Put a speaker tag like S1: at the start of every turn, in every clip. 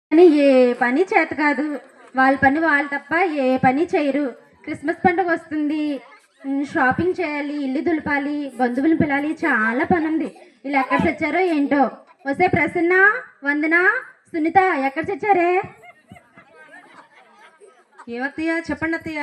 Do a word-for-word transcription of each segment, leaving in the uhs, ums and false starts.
S1: అని ఏ పని చేత కాదు. వాళ్ళ పని వాళ్ళు తప్ప ఏ పని చేయరు. క్రిస్మస్ పండుగ వస్తుంది, షాపింగ్ చేయాలి, ఇల్లు దులపాలి, బంధువులు పిలాలి, చాలా పని ఉంది. వీళ్ళు ఎక్కడ చచ్చారో ఏంటో. వస్తే ప్రసన్న, వందన, సునీత ఎక్కడ చచ్చారే?
S2: ఏమత్తయ్య చెప్పండి అత్తయ్య.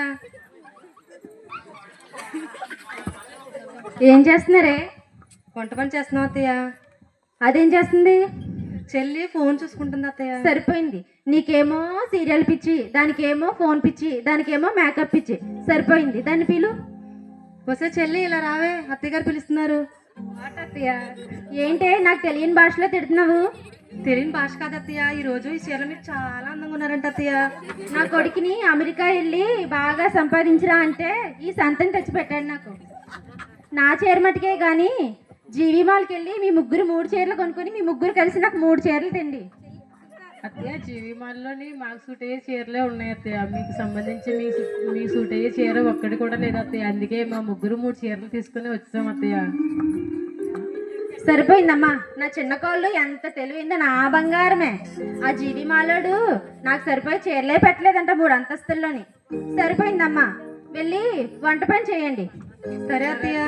S1: ఏం చేస్తున్నారే?
S2: వంట పని చేస్తున్నాం అత్తయ్య.
S1: అదేం చేస్తుంది?
S2: చెల్లి ఫోన్ చూసుకుంటుంది అత్తయ్య.
S1: సరిపోయింది. నీకేమో సీరియల్ పిచ్చి, దానికేమో ఫోన్ పిచ్చి, దానికేమో మేకప్ పిచ్చి. సరిపోయింది. దాన్ని పిలు.
S2: వస్తే చెల్లి ఇలా రావే, అత్తయ్య గారు పిలుస్తున్నారు.
S1: అత్తయ్య ఏంటే నాకు తెలియని భాషలో తిడుతున్నావు?
S2: తెలియని భాష కాదు అత్తయ్య, ఈ రోజు ఈ చీరలో మీరు చాలా అందంగా ఉన్నారంట అత్తయ్య.
S1: నా కొడుకుని అమెరికా వెళ్ళి బాగా సంపాదించరా అంటే ఈ సంతని తెచ్చిపెట్టాడు నాకు. నా చీర మటుకే కానీ జీవి మాల్కి వెళ్ళి మీ ముగ్గురు మూడు చీరలు కొనుక్కొని మీ ముగ్గురు కలిసి నాకు మూడు చీరలు తిండి.
S2: అత్తయ్య జీవి మాల్లోని మాకు సూట్ అయ్యే చీరలే ఉన్నాయి అత్తయ్య. మీకు సంబంధించి మీ మీ సూట్ అయ్యే చీర ఒక్కటి కూడా లేదు అత్తయ్య. అందుకే మా ముగ్గురు మూడు చీరలు తీసుకుని వచ్చాం అత్తయ్య.
S1: సరిపోయిందమ్మా. నా చిన్న కోళ్ళు ఎంత తెలివిందో, నా బంగారమే. ఆ జీవి మాలోడు నాకు సరిపోయి చీరలే పెట్టలేదంట మూడు అంతస్తుల్లోని. సరిపోయిందమ్మా. వెళ్ళి వంట పని చేయండి.
S2: సరే అత్తయ్య.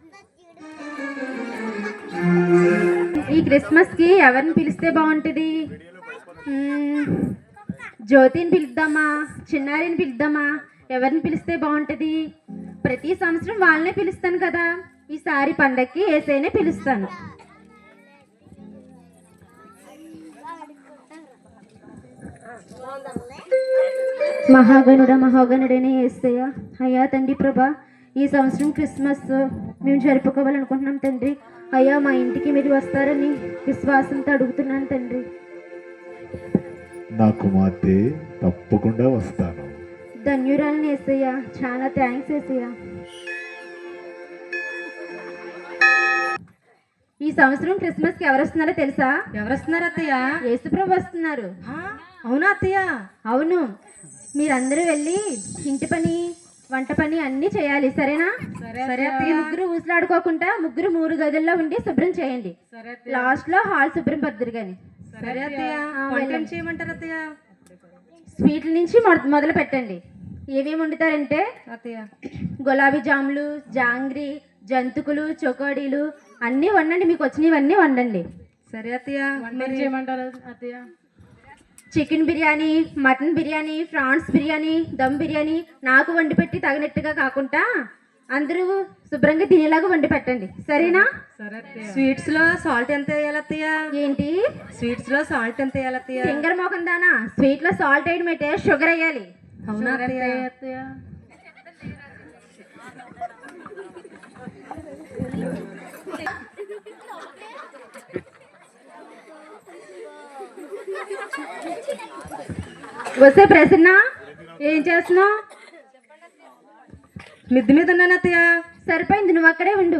S1: ఈ క్రిస్మస్ కి ఎవరిని పిలిస్తే బాగుంటుంది? జ్యోతిని పిలుద్దామా, చిన్నారిని పిలుద్దామా? ఎవరిని పిలిస్తే బాగుంటుంది? ప్రతి సంవత్సరం వాళ్ళనే పిలుస్తాను కదా, ఈసారి పండక్కి ఏసైనే పిలుస్తాను. మహాగణుడ మహాగణుడనే యేసయ్య, అయ్యా తండ్రి ప్రభా, ఈ సంవత్సరం క్రిస్మస్ మేము జరుపుకోవాలనుకుంటున్నాం తండ్రి. అయ్యా మా ఇంటికి మీరు వస్తారని విశ్వాసంతో అడుగుతున్నాను తండ్రి.
S3: నా కుమార్తె తప్పకుండా వస్తాను.
S1: ధన్యురాలని యేసయ్య, చాలా థ్యాంక్స్ యేసయ్య. ఈ సంవత్సరం క్రిస్మస్ కి ఎవరు వస్తున్నారో తెలుసా?
S2: ఎవరు వస్తున్నారు అత్తయ్య?
S1: యేసుప్రభు వస్తున్నారు.
S2: అవునా అత్తయ్య?
S1: అవును. మీరందరూ వెళ్ళి ఇంటి పని వంట పని అన్ని చేయాలి, సరేనా?
S2: సరే.
S1: ముగ్గురు ఊసలాడుకోకుండా ముగ్గురు మూడు గదుల్లో ఉండి శుభ్రం చేయండి. లాస్ట్ లో హాల్ శుభ్రం పడుతురు కానీ.
S2: సరే అత్తయ్య. వంట ఏం చేయమంటారు అత్తయ్య?
S1: స్వీట్ల నుంచి మొదలు పెట్టండి. ఏమేమి వండుతారంటే
S2: అత్తయ్య,
S1: గులాబీ జాములు, జాంగ్రీ, జంతుకులు, చొకోడీలు అన్నీ వండండి. మీకు వచ్చినవన్నీ వండండి.
S2: సరే అత్తయ్య. వంట చేయమంటారు అత్తయ్య?
S1: Chicken biryani, mutton biryani, prawns biryani, dum biryani నాకు వండి పెట్టి తగినట్టుగా కాకుండా అందరూ శుభ్రంగా తినేలాగా వండి పెట్టండి, సరేనా?
S2: స్వీట్స్ లో సాల్ట్ ఎంత వేయాలి అత్తయ్య?
S1: ఏంటి
S2: స్వీట్స్ లో సాల్ట్ ఎంత వేయాలి అత్తయ్య?
S1: ఫింగర్ మోకం దానా, స్వీట్ లో సాల్ట్ వేయడం అయితే షుగర్ వేయాలి.
S2: అవునా అత్తయ్య?
S1: వస్తే ప్రసన్న, ఏం చేస్తున్నావు?
S2: మిద్ది మీద ఉన్నాను అత్తయ్య.
S1: సరిపోయింది, నువ్వు అక్కడే ఉండు.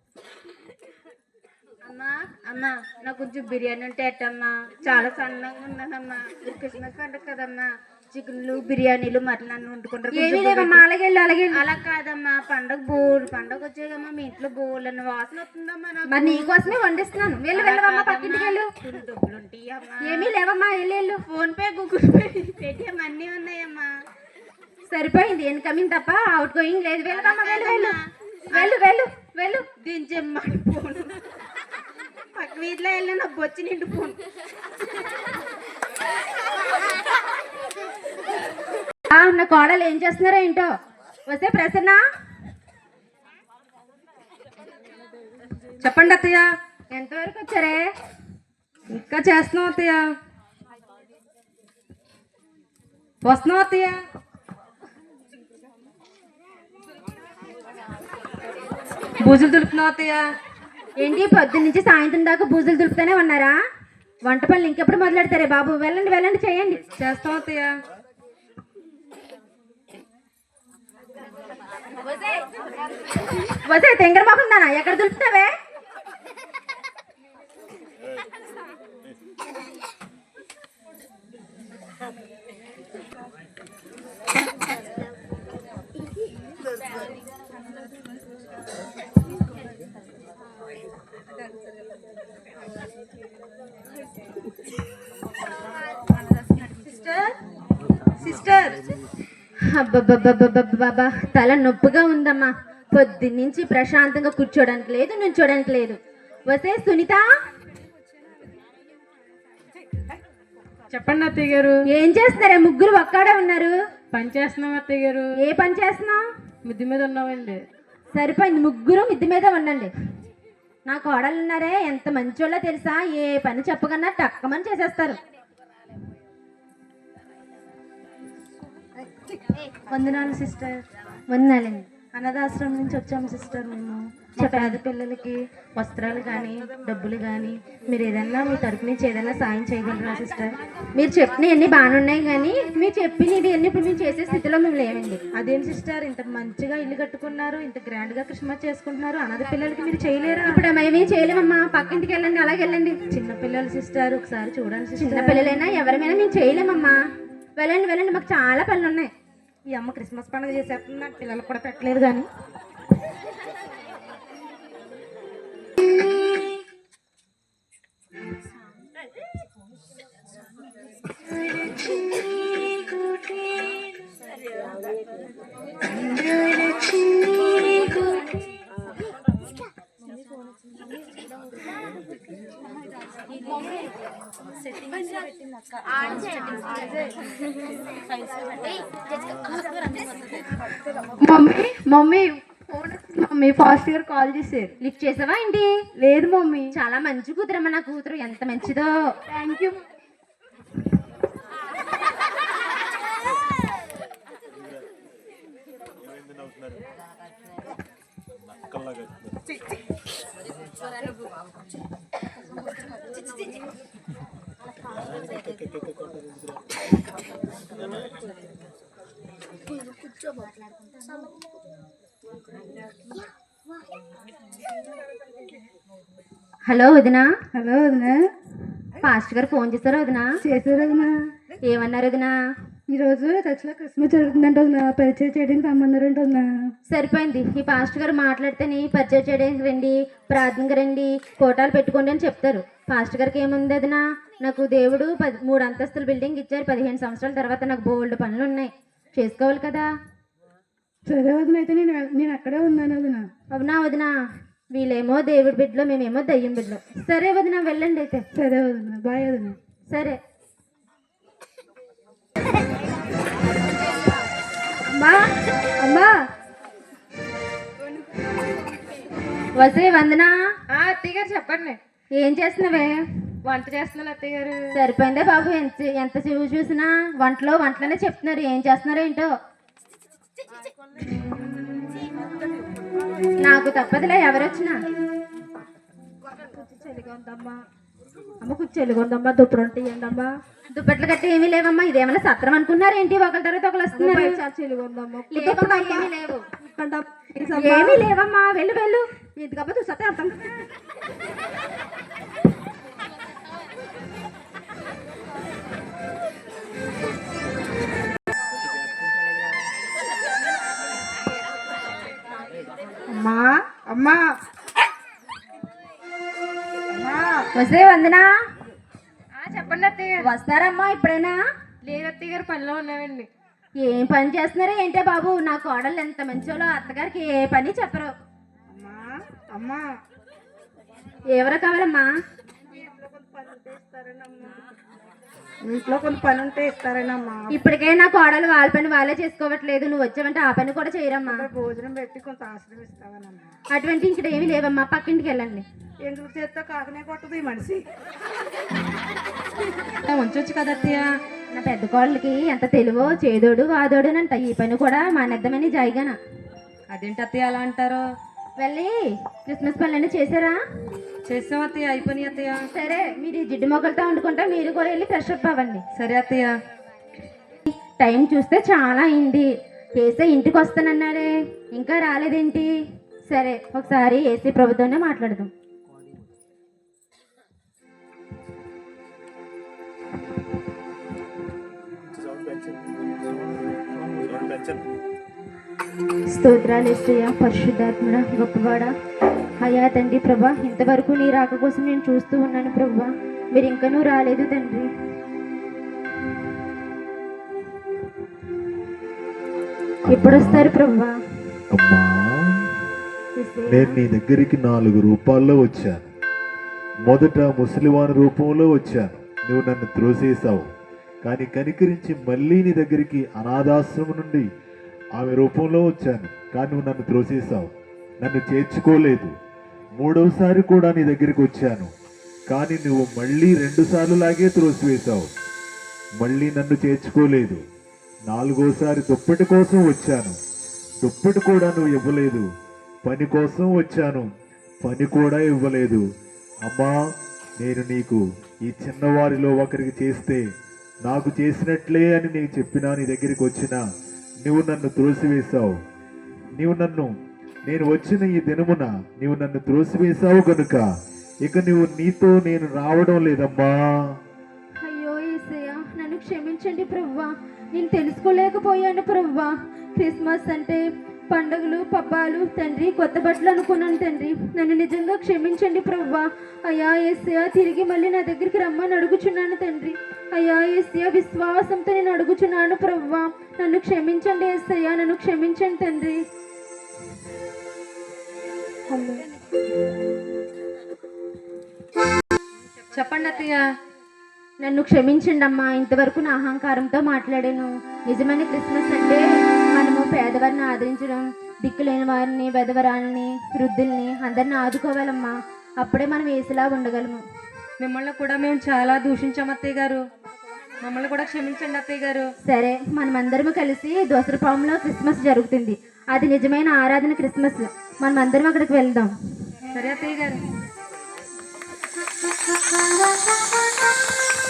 S4: అమ్మా అమ్మా నాకు కొంచెం బిర్యానీ ఉంటే ఎట్టమ్మా, చాలా సన్నగా ఉన్నానమ్మా. క్రిస్మస్ పండుగ కదమ్మా, చికెన్లు బిర్యానీలు మటన్ అన్ని వండుకుంటారు.
S1: ఏమీ లేవమ్మా, అలాగే అలాగే.
S4: అలా కాదమ్మా, పండగ బోల్ పండగ వచ్చాయమ్మా, మీ ఇంట్లో బోల్ అన్న వాసన వస్తుందమ్మా. నాకు
S1: మరి నీకోసమే వండిస్తున్నాను. వెళ్ళి వెళ్ళవమ్మా, పక్కింటికి వెళ్ళు.
S4: డబ్బులు ఉంటాయమ్మా.
S1: ఏమీ లేవమ్మా, వెళ్ళి వెళ్ళు.
S4: Phone pay, Google pay, Paytm అన్నీ ఉన్నాయమ్మా.
S1: సరిపోయింది. ఇన్కమింగ్ తప్ప అవుట్ గోయింగ్ లేదు. వెళ్ళవమ్మా, వెళ్ళు వెళ్ళు వెళ్ళు వెళ్ళు వెళ్ళు.
S4: దించమ్మా ఫోన్. పక్క వీధిలో వెళ్ళి నాకు బొచ్చి నిండు ఫోన్.
S1: నా కోడలు ఏం చేస్తున్నారో ఏంటో. వస్తే ప్రసన్న,
S2: చెప్పండి అత్తయ్య.
S1: ఎంతవరకు వచ్చారే?
S2: ఇంకా చేస్తున్నాం అత్తయ్య. వస్తున్నాం అత్తయ్య. బూజులు దులుపుతున్నాం అత్తయ్య.
S1: ఏంటి పొద్దున్న నుంచి సాయంత్రం దాకా బూజులు దులుపుతూనే ఉన్నారా? వంట పనులు ఇంకెప్పుడు మొదలెడతారే బాబు? వెళ్ళండి వెళ్ళండి, చేయండి.
S2: చేస్తాం అత్తయ్య.
S1: వస్తే తెంగర మొహందానా, ఎక్కడ దులుపుతావే?
S4: సిస్టర్.
S1: అబ్బబ్బబ్బబ్బబ్బబ్బా తల నొప్పిగా ఉందమ్మా. పొద్దున్నుంచి ప్రశాంతంగా కూర్చోడానికి లేదు, నుంచోడానికి లేదు. వసే సునీత,
S2: చెప్పండి అత్తయ్య గారు.
S1: ఏం చేస్తున్నారే? ముగ్గురు ఒక్కడే ఉన్నారు.
S2: పని చేస్తున్నాం అత్తయ్య గారు.
S1: ఏ పని చేస్తున్నావు?
S2: మిద్ది మీద ఉన్నామండి.
S1: సరిపోయింది, ముగ్గురు మిద్ది మీద ఉండండి. నా కోడలు ఉన్నారే, ఎంత మంచోళ్ళో తెలుసా? ఏ పని చెప్పకన్నా టక్కమని చేసేస్తారు.
S5: వందనాలు సిస్టర్.
S1: వందనాలండి.
S5: అనాథాశ్రమం నుంచి వచ్చాము సిస్టర్. మేము మా పేద పిల్లలకి వస్త్రాలు కానీ డబ్బులు కానీ మీరు ఏదన్నా మీ తరపు నుంచి ఏదైనా సాయం చేయగలరా సిస్టర్?
S1: మీరు చెప్పినవన్నీ బాగానే ఉన్నాయి, కానీ మీరు చెప్పినవి అన్ని ఇప్పుడు మేము చేసే స్థితిలో మేము లేవండి.
S5: అదేం సిస్టర్, ఇంత మంచిగా ఇల్లు కట్టుకున్నారు, ఇంత గ్రాండ్గా క్రిస్మస్ చేసుకుంటున్నారు, అనాథ పిల్లలకి మీరు చేయలేరా?
S1: ఇప్పుడు మేమేం చేయలేమమ్మా. పక్కింటికి వెళ్ళండి, అలాగే వెళ్ళండి.
S5: చిన్న పిల్లలు సిస్టర్, ఒకసారి చూడండి
S1: చిన్న
S5: సిస్టర్.
S1: పిల్లలైనా ఎవరైనా మేము చేయలేమమ్మా. వెళ్ళండి వెళ్ళండి, మాకు చాలా పనులు ఉన్నాయి.
S5: ఈ అమ్మ క్రిస్మస్ పండుగ చేసేస్తుంది, నాకు పిల్లలు కూడా పెట్టలేదు కానీ.
S1: మమ్మీ మమ్మీ మమ్మీ ఫాస్ట్ గా కాల్ చేశారు. లిఫ్ట్ చేసావా ఏంటి? లేదు మమ్మీ. చాలా మంచి కూతురమ్మా నా కూతురు, ఎంత మంచిదో. Thank you. హలో వదినా.
S5: హలో వదినా.
S1: ఫాస్ట్ గారు ఫోన్ చేశారు వదినా?
S5: చేశారు వదినా.
S1: ఏమన్నారు వదినా?
S5: ఈరోజు చర్చిలో క్రిస్మస్ జరుగుతుందంట వదినా, పరిచయం చేయడానికి రమ్మన్నారంట వదినా.
S1: సరిపోయింది. ఈ పాస్ట్ గారు మాట్లాడితేనే పరిచయం చేయడానికి రండి, ప్రార్థనకి రండి, ఫోటోలు పెట్టుకోండి అని చెప్తారు. పాస్ట్ గారికి ఏముంది వదినా? నాకు దేవుడు పది మూడు అంతస్తుల బిల్డింగ్ ఇచ్చారు. పదిహేను సంవత్సరాల తర్వాత నాకు బోల్డ్ పనులు ఉన్నాయి, చేసుకోవాలి కదా.
S5: సరే వదిన, అయితే నేను నేను అక్కడే ఉన్నాను వదిన.
S1: అవునా వదినా? వీళ్ళేమో దేవుడి బిడ్డలో, మేమేమో దయ్యం బిడ్డలో. సరే వదినా, వెళ్ళండి అయితే.
S5: సరే వదిన, బాయ్ వదిన.
S1: సరే.
S5: అమ్మా అమ్మా.
S1: వసే వందనా.
S2: అత్తయ్య గారు చెప్పండి.
S1: ఏం చేస్తున్నావే?
S2: వంట చేస్తున్నాను అత్తయ్య గారు.
S1: సరిపోయిందే బాబు, ఎంత ఎంత చూసి చూసినా వంటలో వంటలోనే చెప్తున్నారు. ఏం చేస్తున్నారో ఏంటో. నాకు తప్పదులే, ఎవరొచ్చినా.
S5: చలిగా ఉందమ్మా. అమ్మ కొంచెం చలిగా ఉందమ్మా, దుప్పటి ఉంటే అమ్మా.
S1: దుప్పట్లు కట్టి ఏమీ లేవమ్మా. ఇదేమన్నా సత్రం అనుకున్నారు ఏంటి? ఒకరి తర్వాత ఒకరు వస్తున్నారు.
S5: చాలా చలిగా ఉందమ్మా.
S1: లేవమ్మా, ఏమీ లేవు. ఏమీ లేవమ్మా, వెళ్ళు వెళ్ళు.
S5: ఎందుకమ్మా చూస్తే అర్థం. అమ్మా అమ్మా
S1: వస్తే వందనా.
S2: చెప్పండి అత్తయ్య గారు.
S1: వస్తారమ్మా ఇప్పుడైనా?
S2: లేదు అత్తయ్య గారు, పనిలో ఉన్నామండి.
S1: ఏం పని చేస్తున్నారో ఏంటో బాబు. నా కోడలు ఎంత మంచోలో, అత్తగారికి ఏ పని చెప్పరు.
S5: అమ్మా అమ్మా.
S1: ఎవరు కావాలమ్మా?
S5: ఇంట్లో కొన్ని పని ఉంటే ఇస్తారేనమ్మా.
S1: ఇప్పటికే నా కోడలు వాళ్ళ పని వాళ్ళే చేసుకోవట్లేదు. నువ్వు వచ్చావంటే ఆ పని కూడా చేయరమ్మా.
S5: భోజనం పెట్టి కొంత ఆశ్రమిస్తావనమ్మా.
S1: అటువంటి ఇక్కడ ఏమీ లేవమ్మా, పక్కింటికి వెళ్ళండి.
S5: ఎందుకు చేస్తే కాకనే కొట్టదు ఈ మనిషి.
S2: ఉంచొచ్చు కదా అత్తయ్య.
S1: నా పెద్ద కోడలికి ఎంత తెలివో, చేదోడు వాదోడునంట. ఈ పని కూడా మానేద్దామని జాయిగాన.
S2: అదేంటి అత్తయ్య అలా అంటారు?
S1: వెళ్ళి క్రిస్మస్ పనులన్నీ చేశారా?
S2: చేసాం అత్తయ్య, అయిపోయినాయి అత్తయ్య.
S1: సరే, మీరు ఈ జిడ్డు మొక్కలతో వండుకుంటా, మీరు కూడా వెళ్ళి ఫ్రెష్ అప్ అవ్వండి.
S2: సరే అత్తయ్య.
S1: టైం చూస్తే చాలా అయింది. ఏసీ ఇంటికి వస్తానన్నాడే, ఇంకా రాలేదేంటి? సరే, ఒకసారి ఏసీ ప్రభుత్వంలో మాట్లాడదాం. స్తోత్రాలు యేసయ్యా, పరిశుద్ధాత్మడ, గొప్పవాడ, అయ్యా తండ్రి ప్రభా, ఇంతవరకు నీ రాక కోసం నేను చూస్తూ ఉన్నాను ప్రభా. మీరు ఇంకనూ రాలేదు తండ్రి. ఎప్పుడు వస్తారు ప్రభువా?
S3: అమ్మా,
S1: యేసయ్యా.
S3: నేను నీ దగ్గరికి నాలుగు రూపాల్లో వచ్చాను. మొదట ముసలివాని రూపంలో వచ్చాను, నువ్వు నన్ను త్రోసేసావు. కానీ కనికరించి మళ్ళీ నీ దగ్గరికి అనాథాశ్రమం నుండి ఆమె రూపంలో వచ్చాను, కానీ నువ్వు నన్ను త్రోసేసావు, నన్ను చేర్చుకోలేదు. మూడవసారి కూడా నీ దగ్గరికి వచ్చాను, కానీ నువ్వు మళ్ళీ రెండు సార్లు లాగే త్రోసివేశావు, మళ్ళీ నన్ను చేర్చుకోలేదు. నాలుగోసారి దుప్పటి కోసం వచ్చాను, దుప్పటి కూడా నువ్వు ఇవ్వలేదు. పని కోసం వచ్చాను, పని కూడా ఇవ్వలేదు. అమ్మా, నేను నీకు ఈ చిన్నవారిలో ఒకరికి చేస్తే నాకు చేసినట్లే అని నేను చెప్పినా నీ దగ్గరికి వచ్చినా నువ్వు నన్ను త్రోసివేశావు. నీవు నన్ను నేను వచ్చిన ఈ దినమున నీవు నన్ను త్రోసివేశావు కనుక ఇక నువ్వు నీతో నేను రావడం లేదమ్మా.
S1: అయ్యో యేసయ్యా, నన్ను క్షమించండి ప్రభువా. నేను తెలుసుకోలేకపోయాను ప్రభువా. క్రిస్మస్ అంటే పండుగలు పబ్బాలు తండ్రి, కొత్త బట్టలు అనుకున్నాను తండ్రి. నన్ను నిజంగా క్షమించండి ప్రభువా. అయ్యా యేసయ్యా, తిరిగి మళ్ళీ నా దగ్గరికి రమ్మని అడుగుచున్నాను తండ్రి. అయ్యా యేసయ్యా, విశ్వాసంతో నేను అడుగుచున్నాను ప్రభువా. నన్ను క్షమించండి యేసయ్యా, నన్ను క్షమించండి తండ్రి.
S2: చెప్పండి అత్తయ్య.
S1: నన్ను క్షమించండి అమ్మా, ఇంతవరకు నా అహంకారంతో మాట్లాడాను. నిజమైన క్రిస్మస్ అంటే మనము పేదవారిని ఆదరించడం, దిక్కులేని వారిని, వెధవరాలని, వృద్ధుల్ని అందరిని ఆదుకోవాలమ్మా. అప్పుడే మనం ఏసులా ఉండగలము.
S2: మిమ్మల్ని కూడా మేము చాలా దూషించాం అత్తయ్య గారు, మమ్మల్ని కూడా క్షమించండి అత్తయ్య గారు.
S1: సరే, మనమందరము కలిసి దోసరపాములో క్రిస్మస్ జరుగుతుంది. అది నిజమైన ఆరాధన క్రిస్మస్. మనమందరం అక్కడికి వెళ్దాం.
S2: సరే అత్తయ్య గారు.